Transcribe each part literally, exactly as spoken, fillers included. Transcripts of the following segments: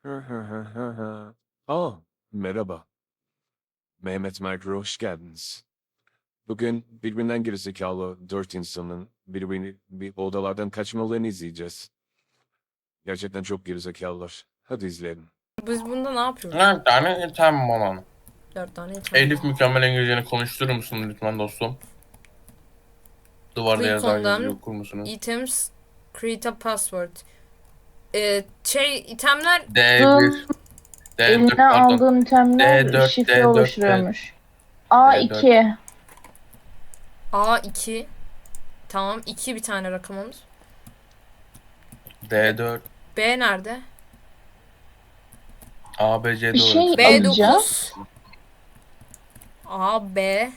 Hı hı hı hı hı. Aa, merhaba. Mehmet Merkür, hoş geldiniz. Bugün birbirinden gerizekalı dört insanın birbirini bir odalardan kaçmalarını izleyeceğiz. Gerçekten çok gerizekalılar. Hadi izleyelim. Biz bunda ne yapıyoruz? Dört tane item olan. Dört tane item. Elif mükemmel İngilizceni konuşturur musun lütfen dostum? Duvarda Click yazan on yazıyı them. okur musunuz? Items. Create a password. Ee, şey itemler D bir, Dur. D Eline dört pardon. aldığın itemler D dört, şifre D dört, D, oluşturuyormuş. A D4. iki. A iki. Tamam, iki bir tane rakamımız. B, D dört, B nerede? A, B, C, Bir D olarak şey söylüyorum. B alacağız. dokuz. A, B,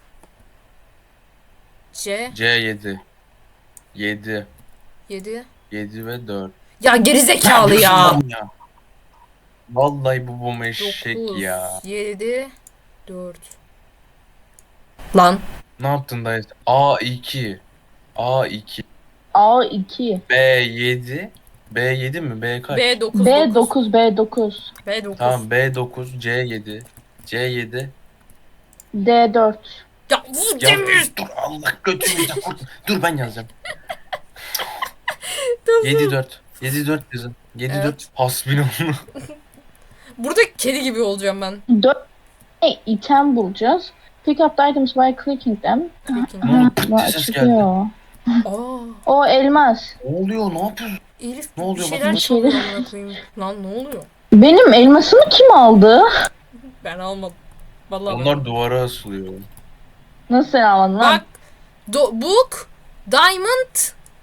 C, C yedi. yedi. yedi. yedi ve dört. Ya gerizekalı ya. ya. Vallahi bu bomba eşek dokuz, ya. yedi, dört. Lan. Ne yaptın dayı? A iki. A iki. A iki. B yedi. B yedi mi? B kaç? B dokuz, B dokuz. dokuz B dokuz. B dokuz. Tamam B dokuz, C yedi. C yedi. D dört. Ya vur Ya Demir. dur Allah götümüzde kurt. Dur ben yazacağım. Tamam. yedi dört. yedi dört yazın. yedi dört. Evet. Hasbinallah. Burada kedi gibi olacağım ben. dört tane item bulacağız. Pick up the items by clicking them. Clicking. Ne oldu? Ha, Pırt bu diye ses geldi. açılıyor. Aa, O elmas. Ne oluyor? Ne yapıyorsun? Elif Ne bir oluyor? şeyler Bakın. çalıyor amına koyayım. Lan ne oluyor? Benim elmasımı kim aldı? Ben almadım. Vallahi ben Onlar almadım. duvara asılıyor. Nasıl sen almadın lan? Bak. Do book. Diamond.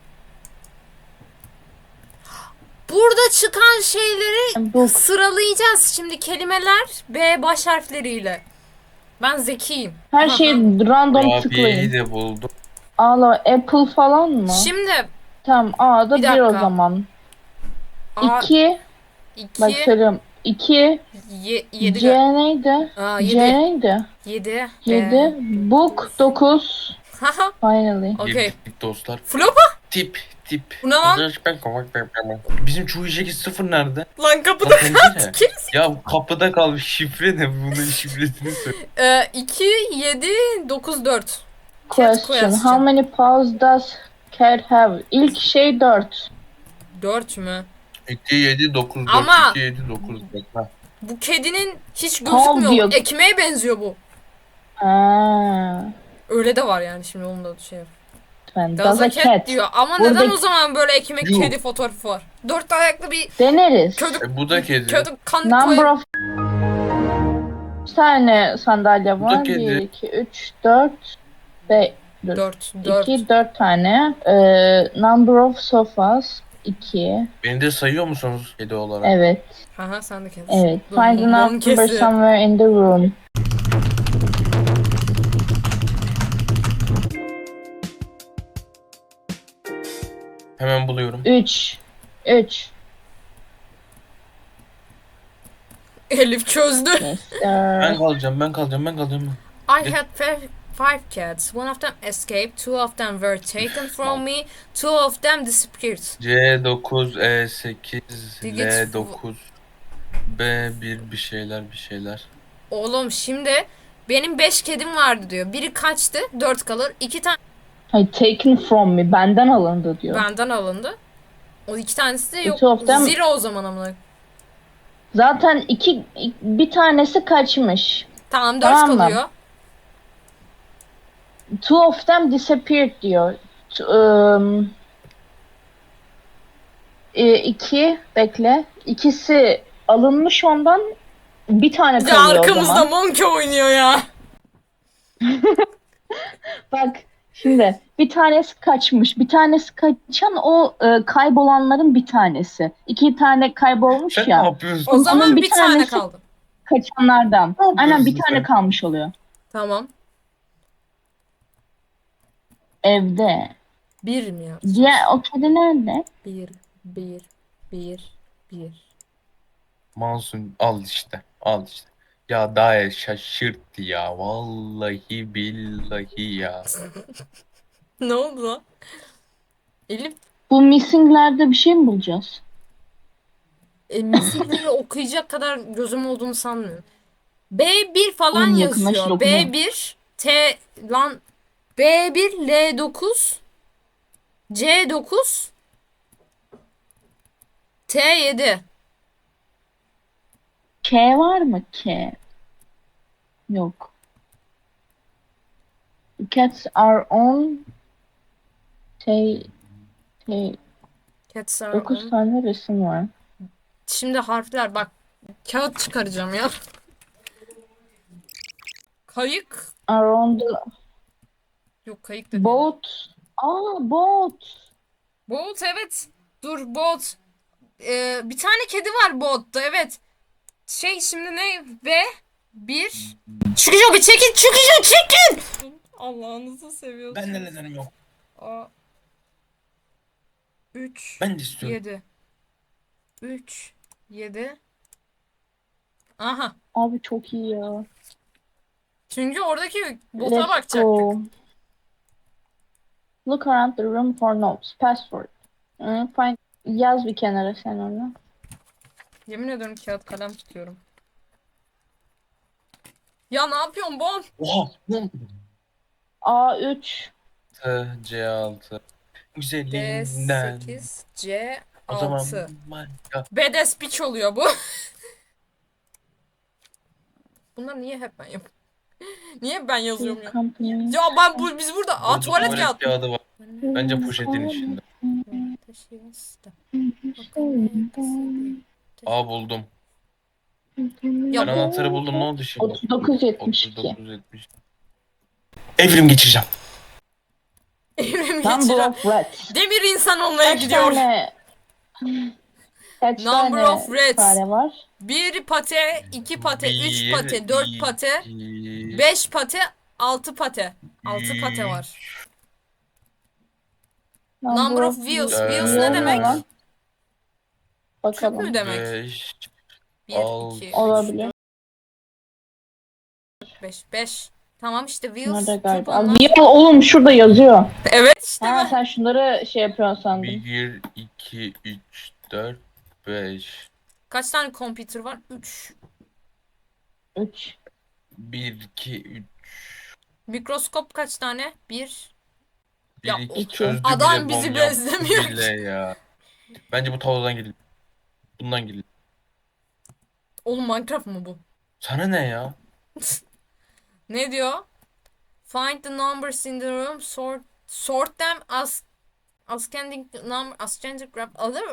Burada çıkan şeyleri Book. sıralayacağız şimdi kelimeler B baş harfleriyle. Ben zekiyim. Her şeyi random Kurabiyeyi tıklayın. de buldum. Alo Apple falan mı? Şimdi Tamam A'da Bir bir o dakika. zaman. A iki. Bak iki söylüyorum. iki. ye, yedi C neydi? Aa, C yedi. neydi? yedi. yedi. Book dokuz. Haha. Finally. Okey. Girdik dostlar. Flopa. Tip tip. Bu ne lan? Bizim Çuğiceki sıfır nerede? Lan kapıda Lan pencere. kaç. Gerisi. Ya kapıda kalmış şifre ne? Bunun şifresini söyle. Ee, iki, yedi, dokuz, dört. Question. question. How many paws does cat have? İlk şey dört. dört mü? iki yedi dokuz dört. Ama- iki yedi dokuz dört. Ha. Bu kedinin hiç Pav gözükmüyor. diyor. Ekmeğe benziyor bu. Ha. Öyle de var yani şimdi onun da şey. Ben Does does a a cat cat. diyor. Ama Burada- neden o zaman böyle ekmek Yuh. kedi fotoğrafı var? Dört ayaklı bir Deneriz. kötü E, bu da kedi. kötü kan Number koyun. of Kaç tane sandalye Bu da var? kedi. bir, iki, üç, dört, beş, Dört. Dört. iki, dört tane. Ee, number of sofas. iki. Beni de sayıyor musunuz kedi olarak? Evet. Haha sen de kedi. Evet. Dur, Find the mum number kesi. somewhere in the room. Hemen buluyorum. üç. üç. Elif çözdü. Yes, Ben sir. kalacağım, ben kalacağım, ben kalacağım. I had five, five cats. One of them escaped. Two of them were taken from me. Two of them disappeared. C dokuz, E sekiz, Digit L dokuz, B bir bir şeyler bir şeyler. Oğlum şimdi benim beş kedim vardı diyor. Biri kaçtı. Dört kalır. İki tane Hayır, taken from me. Benden alındı diyor. benden alındı. O iki tanesi de yok. Two of them- Zero o zaman amına. Zaten iki, bir tanesi kaçmış. Tamam dört Tamam mı? kalıyor. Two of them disappeared diyor. T- um, e, iki, bekle. İkisi alınmış ondan. Bir tane Bir de kalıyor o arkamızda zaman. Monkey oynuyor ya. Bak şimdi bir tanesi kaçmış. Bir tanesi kaçan o e, kaybolanların bir tanesi. İki tane kaybolmuş Sen ya. ne yapıyorsun? O zaman Onun bir, bir tane tanesi- kaldı. Kaçanlardan. Ne yapıyorsun Aynen bir sen? tane kalmış oluyor. Tamam. Evde. Bir mi ya? Diğer o kedi nerede? Bir, bir, bir, bir. Mansun al işte, al işte. Ya daha şaşırttı ya. Vallahi billahi ya. Ne oldu lan? Elif, Bu missinglerde bir şey mi bulacağız? e, misillerini okuyacak kadar gözüm olduğunu sanmıyorum. B bir falan Oğlum yakınlaştır, yazıyor. okumuyor. B bir T lan B bir L dokuz C dokuz T yedi. K var mı? K. Yok. The cats are on T. T. Cats are dokuz on. tane resim var. Şimdi harfler bak. Kağıt çıkaracağım ya. Kayık. Are on the Yok kayık da değil. boat. Aa, boat. Boat evet. Dur boat. Ee, bir tane kedi var boatta evet. Şey şimdi ne? Ve bir. Çıkıyor bir çekin çıkıyor çekin. Allah'ınızı seviyorsun. Ben de nedenim yok. Aa. üç. Ben de istiyorum. yedi. üç. yedi. Aha. Abi çok iyi ya. Çünkü oradaki bota Let's bakacaktık. go. Look around the room for notes. Password. Hı, find. Yaz bir kenara sen onu. Yemin ediyorum kağıt kalem tutuyorum. Ya ne yapıyorsun Bon? Oha. Lan. A üç. T, C altı. D Güzelinden. sekiz C O zaman altı. Minecraft. B D speech oluyor bu. Bunlar niye hep ben yapıyorum? Niye ben yazıyorum ya? Company. Ya ben bu biz burada Aa, Burada tuvalet tuvalet kağıdı. kağıdı var. Bence poşetin içinde. Aa buldum. Ben Ya anahtarı buldum. Ne oldu şimdi? otuz dokuz yetmiş iki. otuz dokuz yetmiş. Evrim geçireceğim. Evrim Number geçiren of rats. demir insan olmaya Kaç gidiyor. tane kaç Number tane of rats. fare var? Bir pate, iki pate, üç Bir, pate, dört pate, iki, beş pate, altı pate. Altı pate var. Number of views. Ee, Views ne demek? lan? Küp Bakalım. mü demek? beş, Bir, altı. iki, üç, Olabilir. dört, beş. Beş. Tamam işte views. Nerede Küp galiba? onlar. Ya oğlum şurada yazıyor. Evet işte Ha bu. sen şunları şey yapıyorsun sandım. bir, iki, üç, dört, beş. Kaç tane computer var? Üç. üç. bir, iki, üç. Mikroskop kaç tane? Bir. Ya, bir, iki iki. çözdü Adam bile, bizi bom yaptı bezlemiyor bile ya. Bence bu tavladan geliyor. Bundan geliyor. Oğlum Minecraft mı bu? Sana ne ya? Ne diyor? Find the numbers in the room, sort sort them as ascending number ascending graph other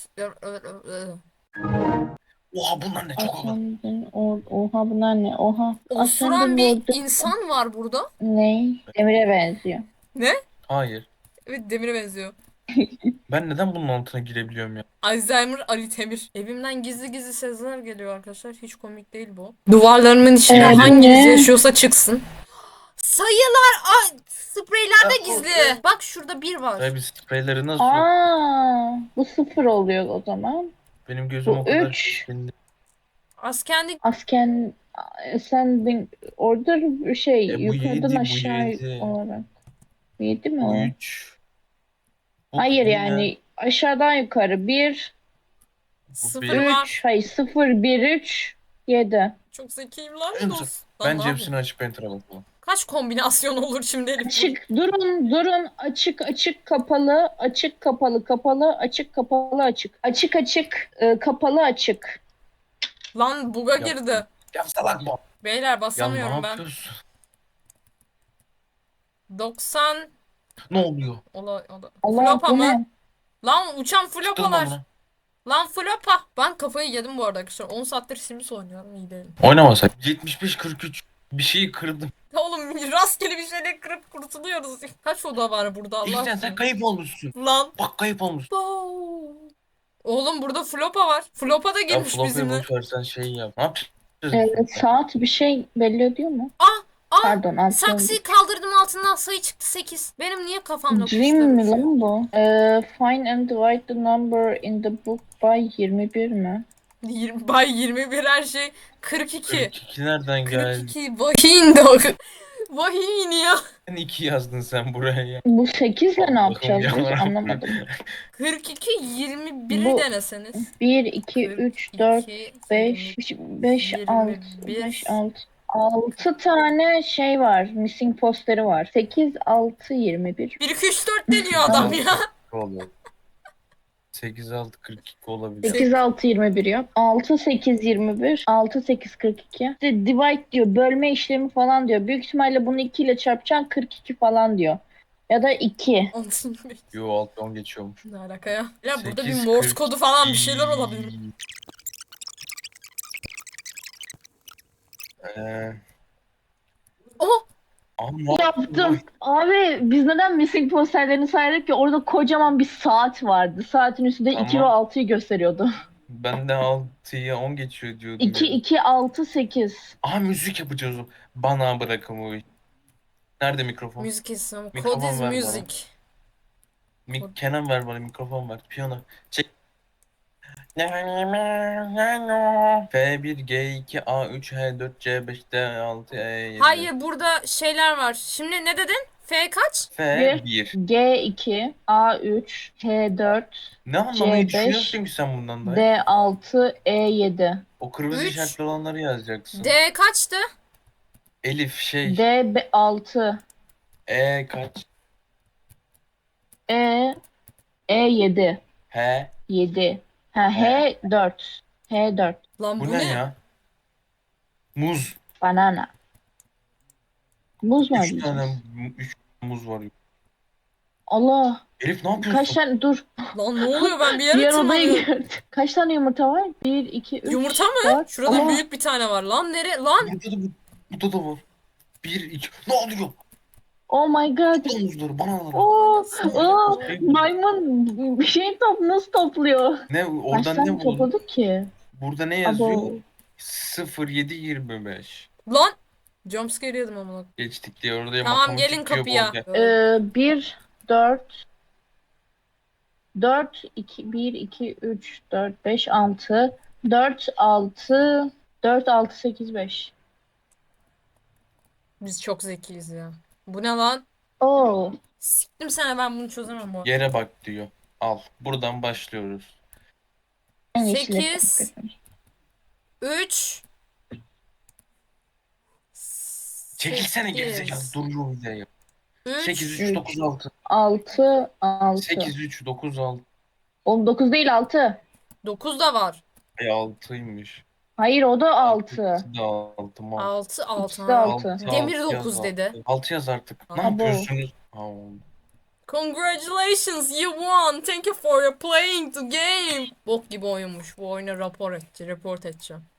Oha bunlar ne çok havalı. Ascending or oha bunlar ne? Oha. Osuran Ascending bir order insan var burada. ne? Demire benziyor. Ne? Hayır. Evet demire benziyor. Ben neden bunun altına girebiliyorum ya? Alzheimer Ali Temir. Evimden gizli gizli sesler geliyor arkadaşlar. Hiç komik değil bu. Duvarlarımın içine Evet, hanginiz ne? yaşıyorsa çıksın. Sayılar ay, spreylerde Ya, o- gizli. Bak şurada bir var. Ya biz spreyleri nasıl? Aa, bu sıfır oluyor o zaman. Benim gözüm Bu o kadar üç. şişkindi. Askendi Asken ascending order bir şey E, bu yukarıdan yedi, bu aşağı yedi. olarak. Yedi mi Bu o? üç. Bu- Hayır bu ne? yani aşağıdan yukarı bir, sıfır bir. var. üç, hayır sıfır, bir, üç, yedi. Çok zekiyim lan. En Dost. son- Lan Bence ne yapayım? hepsini açıp enter'a bakalım. Kaç kombinasyon olur şimdi Elif? Açık durun durun açık açık kapalı açık kapalı kapalı açık kapalı açık açık açık e, kapalı açık. Lan buga Yaptım. girdi. Ya salak bu. Beyler Ya ne basamıyorum ben. yapıyorsun? doksan Ne oluyor? ola, ola. Allah Flopa bu mı? ne? Lan uçan Çıktın mı flopalar. buna? Lan flopa. Ben kafayı yedim bu arada arkadaşlar. on saattir Sims oynuyorum iyi değilim. Oynamasak. yetmiş beş kırk üç. Bir şeyi kırdım. Oğlum rastgele bir şeyle kırıp kurtuluyoruz. Kaç oda var burada Allah İlkten sen aşkına? kayıp olmuşsun. Lan. Bak kayıp olmuşsun. Bow. Oğlum burada flopa var. Flopa da Ya girmiş Floppy'yi bizimle. boş ver sen şey yap. Ne yapacağız? Evet, saat bir şey belli ediyor mu? Aa, aa. Pardon altı. Saksıyı kaldırdım altından sayı çıktı sekiz. Benim niye kafamda Dream mi kuşlar uçuyor? lan bu? Ee, find and divide the number in the book by yirmi bir mi? yirmi, bay yirmi bir her şey kırk iki. kırk iki nereden kırk geldi? iki bakayım da. Vahiy iniyor. Sen iki yazdın sen buraya ya. Bu sekizle ne Allah'ım yapacağız biz yarabbim. anlamadım. kırk iki yirmi biri Bu- deneseniz. bir, iki, üç, dört, kırk iki, beş, beş, yirmi altı, bir. beş, altı. altı tane şey var. Missing posteri var. sekiz, altı, yirmi bir. bir iki üç dört deniyor adam ya. Oluyor. sekiz altı kırk iki olabilir. sekiz, altı, yirmi bir yap. altı, sekiz, yirmi bir. altı, sekiz, kırk iki. İşte divide diyor. Bölme işlemi falan diyor. Büyük ihtimalle bunu iki ile çarpacaksın kırk iki falan diyor. Ya da iki. Yo altı on geçiyormuş. Ne alaka ya? Ya burada bir sekiz, Morse kırk kodu falan bir şeyler olabilir. Ee, Oh! ama Yaptım. Abi biz neden missing posterlerini saydık ki? Orada kocaman bir saat vardı. Saatin üstünde iki Tamam. ve altıyı gösteriyordu. Ben de altıya on geçiyor diyordum. iki, ya. iki, altı, sekiz. Aha müzik yapacağız. o. Bana bırakın bu işi. Nerede mikrofon? Müzik isim. Mikrofon Code is ver bana. music. Mi Kenan ver bana mikrofon ver. Piyano. Çek. F bir, G iki, A üç, H dört, C beş, D altı, E yedi. Hayır burada şeyler var. Şimdi ne dedin? F kaç? F bir. G iki, A üç, H dört, Ne anlamayı C beş, düşünüyorsun ki sen bundan da? D altı, E yedi. O kırmızı Üç. işaretli olanları yazacaksın. D kaçtı? Elif şey. D altı, E kaç? E E yedi. H. yedi. Ha, H dört. H dört. Lan bu, Bu ne ya? Muz. Banana. Muz mu Üç arayacağız? tane mu- üç muz var. Allah. Elif ne yapıyorsun? Kaç tane dur. Lan ne oluyor ben bir yere Diğer odaya tırmanıyorum. gördüm. Kaç tane yumurta var? bir, iki, üç, Yumurta mı? dört. Şurada Allah. büyük bir tane var. Lan nere? Lan Burada da, burada da var. Bir, iki. Ne oluyor? Oh my god. Bu muzları, bananaları. Oo, oo, maymun bir şey top nasıl topluyor? Ne Kaç oradan tane ne buldun? topladık ki? Burada ne yazıyor? Abo. sıfır yedi yirmi beş. lan. Jumpscare yedim ama. Geçtik diye orada Tamam matematik gelin diyor, kapıya. bol- Ee, bir, dört, dört, iki, bir, iki, üç, dört, beş, altı, dört, altı, dört, altı, sekiz, beş. Biz çok zekiyiz ya. Bu ne lan? Oo. Siktim sana ben bunu çözemem bu. Yere bak diyor. Al. Buradan başlıyoruz. En iyisi de Sekiz. yapalım. üç Çekilsene sekiz, gerizekalı. Duruyor bir de ya. sekiz, üç üç, dokuz, altı. altı, altı. sekiz, üç, dokuz, altı. Oğlum dokuz değil altı. dokuz da var. E altıymış. Hayır o da altı. İkisi de altı mı? altı altı. İkisi de altı. Demir altı dokuz yaz, dedi. altı. altı yaz artık. Ne Abo. yapıyorsunuz? Aa, Congratulations you won. Thank you for your playing the game. Bok gibi oyunmuş. Bu oyuna rapor et, report edeceğim.